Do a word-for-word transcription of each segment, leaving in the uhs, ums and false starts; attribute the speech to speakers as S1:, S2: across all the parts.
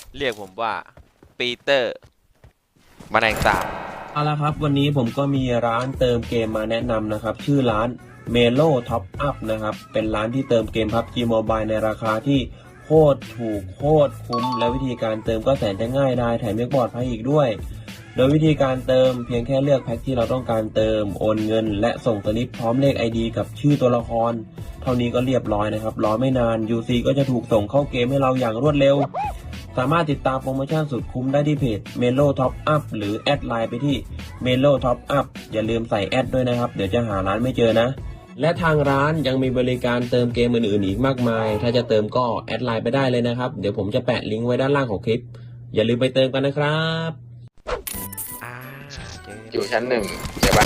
S1: เรียกผมว่าปีเตอร์แมลงสาบ
S2: เอาละครับวันนี้ผมก็มีร้านเติมเกมมาแนะนำนะครับชื่อร้าน Melo Top Up นะครับเป็นร้านที่เติมเกม พับจี Mobile ในราคาที่โคตรถูกโคตรคุ้มและวิธีการเติมก็แสนจะง่ายได้แถมยังปลอดภัยอีกด้วยโดยวิธีการเติมเพียงแค่เลือกแพ็คที่เราต้องการเติมโอนเงินและส่งสลิปพร้อมเลข ไอ ดี กับชื่อตัวละครเท่านี้ก็เรียบร้อยนะครับรอไม่นาน ยู ซี ก็จะถูกส่งเข้าเกมให้เราอย่างรวดเร็วสามารถติดตามโปรโมชั่นสุดคุ้มได้ที่เพจ Melo Top Up หรือแอดไลน์ไปที่ Melo Top Up อย่าลืมใส่แอดด้วยนะครับเดี๋ยวจะหาร้านไม่เจอนะและทางร้านยังมีบริการเติมเกมอื่นๆอีกมากมายถ้าจะเติมก็แอดไลน์ไปได้เลยนะครับเดี๋ยวผมจะแปะลิงก์ไว้ด้านล่างของคลิปอย่าลืมไปเติมกันนะครับ
S1: อ่า
S3: อยู่ชั้นหนึ่งใช่ปะ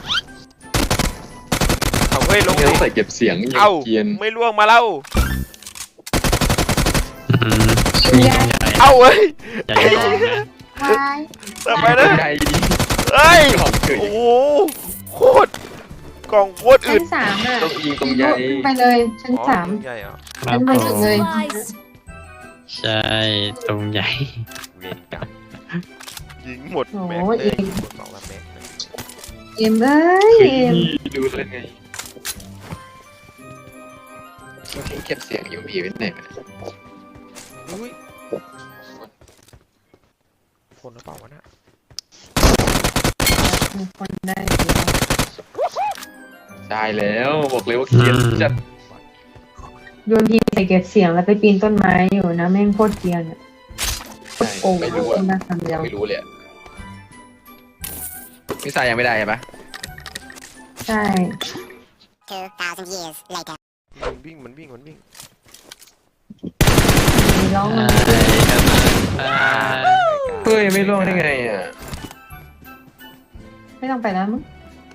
S1: เอาเฮ้ยลง
S3: ต้องใส่เก็บเสียงอย่าง
S1: เอ้า
S3: เกียน
S1: ไม่ล่วงมาแล้ว
S4: มีใหญ่
S1: เอ้าเฮ้ย
S4: ใหญ่กองนะ
S5: วาย
S1: ทำไมนะ
S3: ใหญ่ดี
S1: เฮ้ย
S3: ของเฉย
S1: โอ้โหโคตรกล่องโคตรอึ
S5: ชั้
S1: ด
S5: นสามอ่ะ
S3: ต้องยิงตรงใหญ่
S5: ขึ้นไปเลยชั้นสาม
S1: อ๋อใหญ่เหรอ
S4: ครับ
S5: ชั้น
S4: ผ
S5: บนสุด
S4: ม
S5: เลย
S4: ใช่ตรงใหญ่
S1: เวรกรรมยิงหมดแม็กเลยยิงหมดสองละแม็กเลย
S5: เอ็มเอ้ย
S3: เฮ้ย
S5: เอ็ม
S3: ดูเลยไงต้องทิ้งเก็บเสียงอยู่ผีไว้ไหนวะ
S1: อุ้ยคนหรือเปล่าวะน่ะ
S5: มีคนได้
S3: ได้แล้วบอกเลยว่าเกียนจัด
S5: โยนทีใส่เก็บเสียงแล้วไปปีนต้นไม้อยู่นะแม่งโคตรเกรียนอ่ะ
S3: ใช่
S5: โอ้
S3: ไม่รู้อะ
S5: มาคำเดียว
S3: ไม่รู้เลยอะมิสายยังไม่ได้ใช่ปะ
S5: ใช่
S6: two thousand years later.
S1: มันวิ่งมันวิ่งมันวิ่ง
S5: มีร้อง
S4: ใช่
S5: มัน
S4: ครับ
S3: เฮ้ยไม่ร่วงได้ไงอ่ะ
S5: ไม่ต้องไปแล้วมั้ง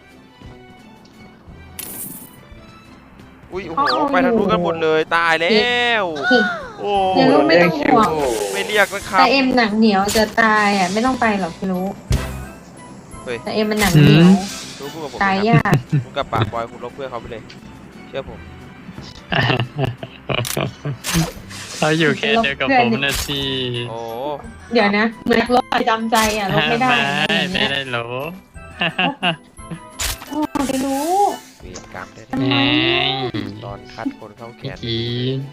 S1: อุ้ยโอ้โหไปทางนู้นกันหมดเลยตายแล้วโอ้
S5: เดี๋ยวรู้ไม่ต้องห่วง
S1: ไม่เรียกนะครั
S5: แต่
S1: บ
S5: เอ็มหนังเหนียวจะตายอ่ะไม่ต้องไปหรอกพี่รู้
S1: เฮ้ย
S5: แต่เอ็มมันหนังเหนียว
S1: รู้พูดกับผม
S5: ตาย
S1: นะ
S5: ยาก
S1: คุณกับปากบอยคุณลบเพื่อนเขาไปเลย เชื่อผม
S4: เขาอยู่แค่เดียวกับผมนะสิ
S1: โอ้
S5: เดี๋ยวนะเหมือนลบประจำใจอ่ะลบไม่ได้อะไรอย่าง
S4: ไม่
S5: เงี้ย
S4: ได้หรอ
S5: โอ้ไม่รู้
S1: เวรกรรมได้
S5: ทำไม
S1: ตอนคัดคนเข้าแข
S4: เมื่อน กี้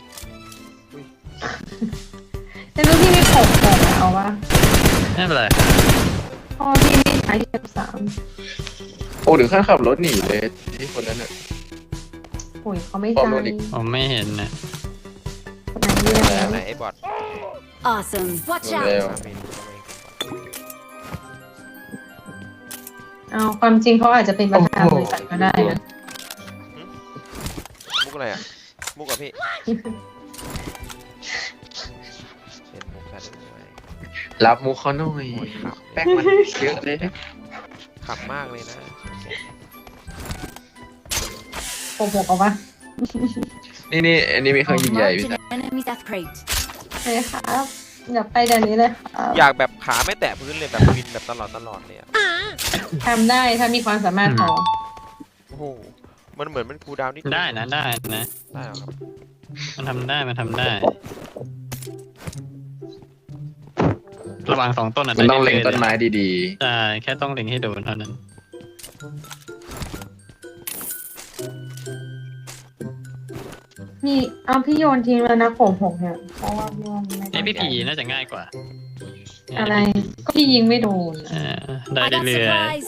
S5: แต่รู้ที่ไม่ผมผมอะเอาวะ
S4: ไม่เป็นไร
S5: พ่อพี่ไม่ใช้เก็บสาม
S3: โอ้ถึงขั้นขับรถหนีเลยที่คนนั้นอ่ะ
S5: โอ้ยเขาไม่
S3: พ่อ
S5: ใช้
S3: รู้ดิ
S4: ผมไม่เห็นนะ
S5: คนไหนเรียก
S1: ไหน
S5: แล้ว
S1: ไหนไอ้บอท
S6: Awesome. Watch
S3: เร็ว
S1: มาเป็น
S5: เอาความจริงเขาอาจจะเป็นประธานบริษัทก็ได้นะ
S1: มุกอะไรอ่ะ มุกกับพี่เป็นมุกกันด้วย
S3: รับมุกเขาหน่อย
S1: โอ้ยขับ
S3: แป๊กมันเยอะเลยนะ
S1: ขับมากเลยนะ
S5: โกหกเอาวะ
S3: นี่นี่อันนี้มีเครื่องยิงใหญ่พี่
S6: Marked
S3: นะ
S6: an enemy's death crate.
S5: เลยครับอย่าไปเดี๋ยวนี้เลยครับ
S1: อยากแบบขาไม่แตะพื้นเลยแบบวินแบบตลอดตลอดเลยอ่ะ
S5: ทำได้ถ้ามีความสามารถพอ
S1: โอ้โห มันเหมือนมันคูลดาวน์นิด
S4: ได้นะได้นะ
S1: ได้เหรอครับ
S4: มันทำได้มันทำได้ ระหว่างสองต้นอ่ะ
S3: มันต้องเล็งต้นไม้ดี
S4: ใช่แค่ต้องเล็งให้โดนเท่านั้น
S5: นี่เอาพี่โยนทิ้งแล้วนะโกหกเนี่ยเพราะว่าพี่โยนไม่
S4: ไอ้
S5: ได้
S4: พี่ผีน่าจะง่ายกว่า
S5: อะไรก็พี่ยิงไม่โดน
S4: เออได้
S6: I got
S4: เรื่อย
S6: supplies.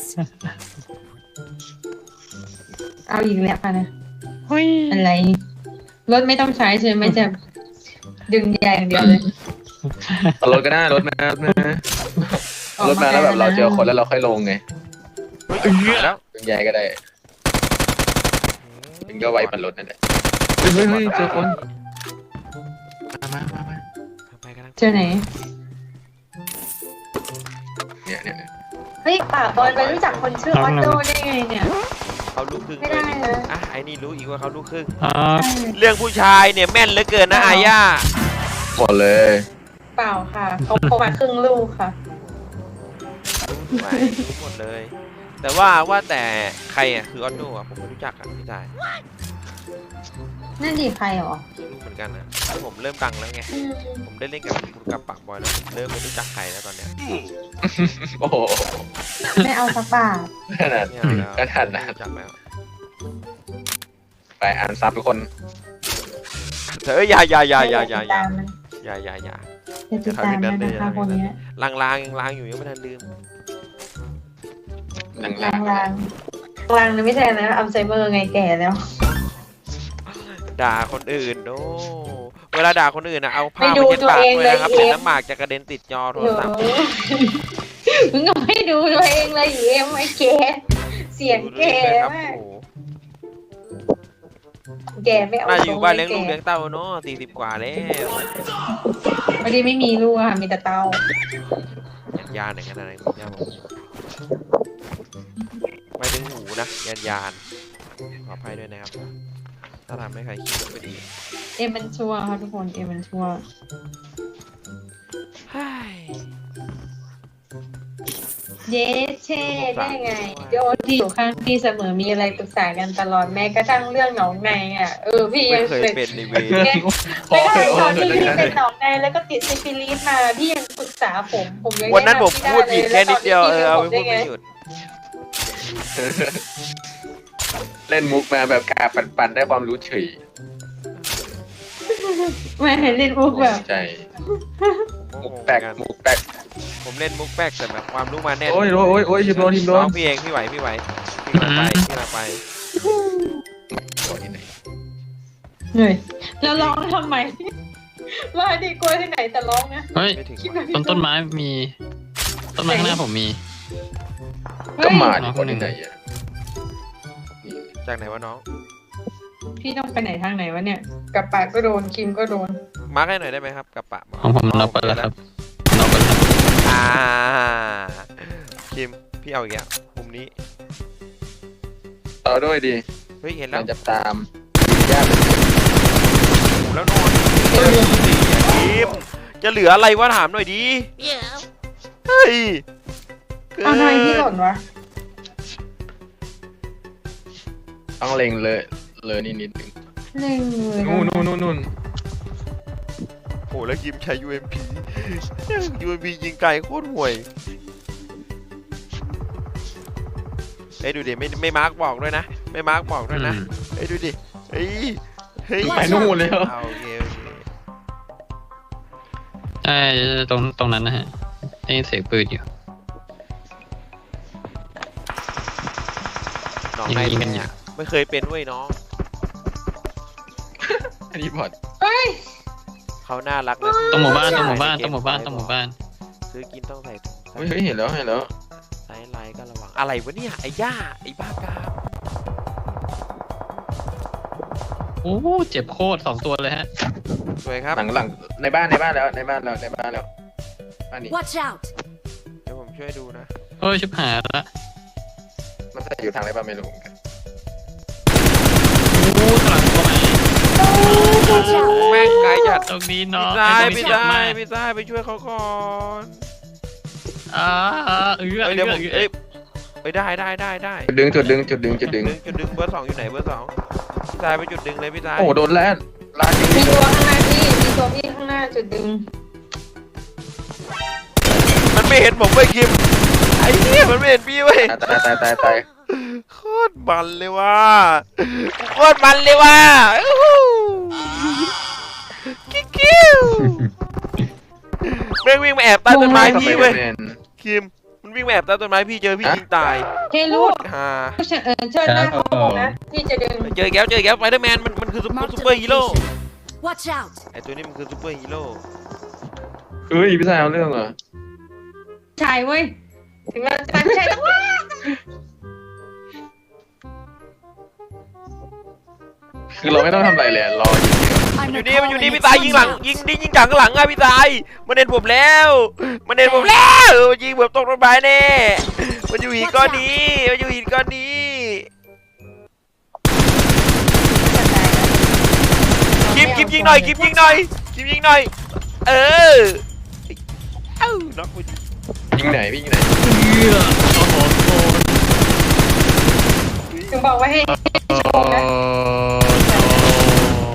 S5: เอาอีกแล้วค่ะนะ
S4: ๆหุ้ย
S5: อะไรรถไม่ต้องใช้ใช่ไหมจะดึงยางอย่างเดียวเลย
S3: ๆเอารถก็ได้รถมารถมารถมาแล้วแบบเราเจอคนแล้วเราค่อยลงไง
S1: เฮ้ยมาแล้ว
S3: ดึงใหญ่ก็ได้ดึงก็ไวปันรถนั่นแหละเฮ้ยเฮ้ยเฮ้ยเจอคนมามามามา
S1: ไปกันนะ
S5: เจอไหน
S3: เนี่ยเนี่ยเนี่ย
S5: เฮ้ยป่าบอยไปรู้จักคนชื่อออโต้ได้ไงเนี่ย
S1: เขาลูกครึ่ง
S5: ไม่ได้นะ
S1: อ่ะไอ้นี่รู้อีกว่าเขาลูกครึ่ง
S4: อ๋อ
S1: เรื่องผู้ชายเนี่ยแม่นเหลือเกินนะอาย่า
S3: หมดเลย
S5: เปล่าค่ะเขาเขามาครึ่งลูกค่ะ
S1: ไม่รู้หมดเลย แต่ว่าว่าแต่ใครอ่ะคือออโต้อ่ะผมไม่รู้จักอ่ะพี่ชาย
S5: นั่นดีใครหรอ
S1: ไม่รู้เหมือนกันนะผมเริ่มดังแล้วไง
S5: อืม
S1: ผมได้เล่นกับคุณกับปากบอยแล้วผมเริ่มไม่รู้จักใครแล้วตอนเนี้ย
S3: โอ้โห
S5: ไม่เอาสักบาท
S3: ขนาด
S1: ไม่เอาแล้ว
S3: ขนาดนั้น
S1: ไม่รู้จักแล้ว
S3: ไปอ่านซับทุกคน
S1: เธออย่าอย่าอย่าอย่าอย่า
S5: ติด
S1: อย่า
S5: ตามมัน
S1: อย่าอย่าอย่า
S5: จะติดตามมันนะคะคนเนี้ย
S1: ลางลางยังลางอยู่ยังไม่ทันลืม
S3: หลัง
S5: ลางลางลางนะไม่ใช่นะอัลไซเมอร์ไงแก่แล้ว
S1: ด่าคนอื่นโอ้เวลาด่าคนอื่นนะเอาผ้า
S5: ไม่
S1: ไป
S5: ดู
S1: เช็ดปาก
S5: ตัวเอง
S1: ด้วยนะครับ
S5: เลย
S1: เดี๋ยว
S5: เอ็ม
S1: น้ำหมากจะกระเด็นติดจอโทร
S5: โอ้
S1: ศัพท์
S5: มึงก็ไม่ดูตัวเองเลยเอ็มไอ้แก่เสียง
S1: ดูด้ว
S5: แก่
S1: ยครับ
S5: มาก
S1: โอ้โห
S5: แก่ไม่เอา
S1: น่าจะอยู่บ้านเลี้ยง
S5: ท
S1: ลู
S5: ร
S1: ก
S5: แ
S1: เลี้ยงเต้าเนาะสี่สิบกว่าแล้ว
S5: พอดีไม่มีลูกค่ะมีแต่เต้า
S1: ยันยานอย่างนั้นอะไรคุณย่าบอกไม่ถึงหูนะยันยานขออภัยด้วยนะครับถ้าทำให้ใครคิดว่าไม่ดี
S5: เอ็มมันชัวร์ค่ะทุกคนเอ็มมันชัวร์
S1: เฮ้ย
S5: เย้เช่ได้ไงโยที่อยู่ข้างพี่เสมอมีอะไรปรึกษากันตลอดแม้กระทั่งเรื่องหนองในอ่ะเออพี่
S1: ไม่
S5: ยัง
S1: เคย
S5: เป็น
S1: เป็นในเวร
S5: ไม่ได้ตอนที่พี่เป็นหนองในแล้วก็ติดซิฟิลิสมาพี่ยังปรึกษาผมผมยัง
S1: วันนั้นผม
S5: แะำ
S1: พูดผิดแค่นิดเดียวเออเอาไปพูด
S5: แนะนำพี่
S1: ไม่หยุด
S3: เล่นมุกมาแบบกาปั่นๆได้ความรู้เฉย
S5: ไม่เห็นเล่นมุกแบบ
S3: ใจ มุกแปลกมุกแปลก
S1: ผมเล่นมุกแป๊กแต่แบบความรู้มาแน่น
S3: โอ้ยโอ้ยโอ้ยทีมโดนทีมโด
S1: น้
S3: น
S1: องพี่เองพี่ไหวพี่ไหวพี่กำลังไปพี่กำลังไป
S3: โดนที่ไหน
S5: เหนื่อยแล้วร้องทำไมว่าดีกลัวที่ไหนแต่ร้องนะ
S4: เฮ้ย
S1: ไม่ถึง
S5: คิด
S1: ว่ะ
S5: ว่า
S4: ต้นต้นไม้มี ต้นไม้ข้างหน้าผมมี
S3: ก็มาดีกว่าที่ไหนอ่ะ
S1: จากไหนวะน้อง
S5: พี่ต้องไปไหนทางไหนวะเนี่ยกับปากก็โดนคิมก็โดน
S1: มาร์กให้หน่อยได้ไหมครับกับปะ
S4: ของผมน็อกไปแล้วครับน็อกไปแล้ว
S1: อ่าคิมพี่เอาอีกแล้วมุมนี้
S3: ต่อด้วยดี
S1: เฮ้ยเห็นแล้
S3: เรา
S1: ว
S3: จะตามญาติ
S1: แล้วนอนคิมจะเหลืออะไรวะถามหน่อยดิเฮ้ยกิน
S5: เอาทำไมพี่หล่นวะ
S3: ต้องเล็งเลยเลยนิดนิดนึง
S5: เล่งเลย
S3: นู่นนู่นนู่นนู่น
S1: โอ้แล้วคิมใช้ ยู เอ็ม พี ยู เอ็ม พี ยิงไกลโคตรห่วยเอ้ยดูดิไม่ไม่มาร์กบอกด้วยนะไม่มาร์กบอกด้วยนะ
S4: อืม
S1: เอ้ยดูดิเฮ้ยเฮ้ย
S3: ไปนู่นเลยเหรอ
S1: เอาโอเคโอเค
S4: ใช่ตรงตรงนั้นนะฮะได้ยินเสียงปืนอยู่
S1: น้องใน
S4: ยิงกันอยู่
S1: เนี่ยไม่เคยเป็นเว้ยน้อง
S3: อันนี้บอด
S5: เฮ้ย
S1: เขาน่ารักนะ
S4: ตรงหมู่บ้านตรงหมู่บ้านตรงหมู่บ้านตรงหมู่บ้าน
S1: ซื้อกินต้องใส่ถุง
S3: เฮ้ยเฮ้ยเห็นแล้วเห็นแล้ว
S1: ไซส์ไลน์ก็ระวังอะไรวะเนี่ยไอ้ย่าไอ้บ้ากาม
S4: โอ้เจ็บโคตรสองตัวเลยฮะ
S1: สวยครับ
S3: หลังหลังในบ้านในบ้านแล้วในบ้านแล้วในบ้านแล้วบ้านนี้
S6: Watch out!
S1: เดี๋ยวผมช่วยดูนะ
S4: เฮ้ยชิบหายละ
S3: มันจะอยู่ทางไหนบ้างไม่รู้เหมือนกัน
S4: โอ้หลังตัวไหน
S6: Watch out!
S1: แม่งไกลจัด
S4: ตรงนี้
S1: พี่
S4: เนาะ
S1: ซาย
S4: ไอ้ตรงนี้
S1: พี่
S4: เจ็บ
S1: ซาม
S4: าย ก
S1: พี่ซายไปช่วยเขาก่อน
S4: อ่าเอื้อ
S1: เอ้ยเดี๋ยวผม
S4: เอื้อ
S1: เอ้ยเอ้ยได้ได้ได้ได้
S3: จุดดึงจุดดึงจุดดึงจุดดึง
S1: จุดดึงเบอร์สองอยู่ไหนเบอร์สองพี่ซายไปจุดดึงเลยพี่ซาย
S3: โอ้โหโดนแล้วลาดยิง
S5: มีตัวข้างหน้าพี่มีตัวพี่ข้างหน้าจุดดึง
S1: มันไม่เห็นผมเว้ยคิมไอ้เนี่ยมันไม่เห็นพี่เว้ย
S3: ตายตายตายตาย
S1: โคตรมันเลยว่ะโคตรมันเลยว่ะอู้หูกิ๊กกิ้วแม่งวิ่งมาแอบใต้ต้นไม้พี่เว้ยคิมมันวิ่งมาแอบใต้ต้นไม้พี่เจอพี่ยิงตาย
S5: เฮลูด
S1: ฮ่า
S5: เชิญเออเชิญหน้าเขาผมนะพี่จะดึง
S1: เจอแก้วเจอแก้วไฟเดอร์แมนมันมันคือซุป
S6: Marked
S1: ซุป
S6: a
S1: เปอร์ฮีโร่
S6: location. Watch out!
S1: ไอตัวนี้มันคือซุปเปอร์ฮีโร่
S3: เฮ้ยพี่ชายเอาเรื่องเหรอ
S5: ชายเว้ยถึงเราจะไม่ใช่แล้วว้า
S3: คือเราไม่ต้องทำอะไรเลยรอยิง
S6: I'm
S1: อยู่
S6: not
S1: นี่มันอยู่นี่
S6: calling
S1: พี่ตายยิงหลัง
S6: it
S1: ยิงดิยิงจากข้างหลังอะพี่ตายมันเห็นผมแล้วมันเห็นผมแล้วมันยิงแบบตกต้นไม้แน่มันอยู่หินก้อนนี้มันอยู่หินก้อนนี้คิมคิมยิงหน่อยคิมยิงหน่อยคิมยิงหน่อยเออเอ้าน็อกไปดิ
S3: ยิงไหนพี่ยิงไหน
S4: เอื้อโอ้โหโคตร
S5: ถึงบอกว่าให้
S4: โอ้โห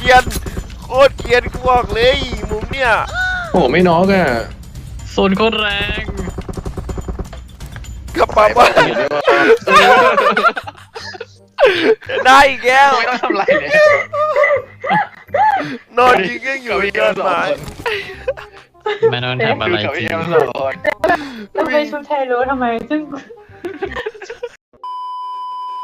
S1: เกรียนโคตรเกรียนกูบอกเลยมุมเนี่ย
S3: โอ้โหไม่น็อกอ่ะ
S4: โซนโคตรแรง
S1: กระป๋าบ้า
S3: เห็นได้ว่า
S1: ได้อีกแล้ว
S3: ไม่ต้องทำไรเลย
S1: นอนยิงยังอยู่ในยอดไม้
S4: ไม่ต้องทำอะไร
S3: กับ
S4: จริ
S3: พี่
S4: ง
S3: เอ็มสองคน
S5: ทำไมชุดไทยรู้ทำไมซึ่ง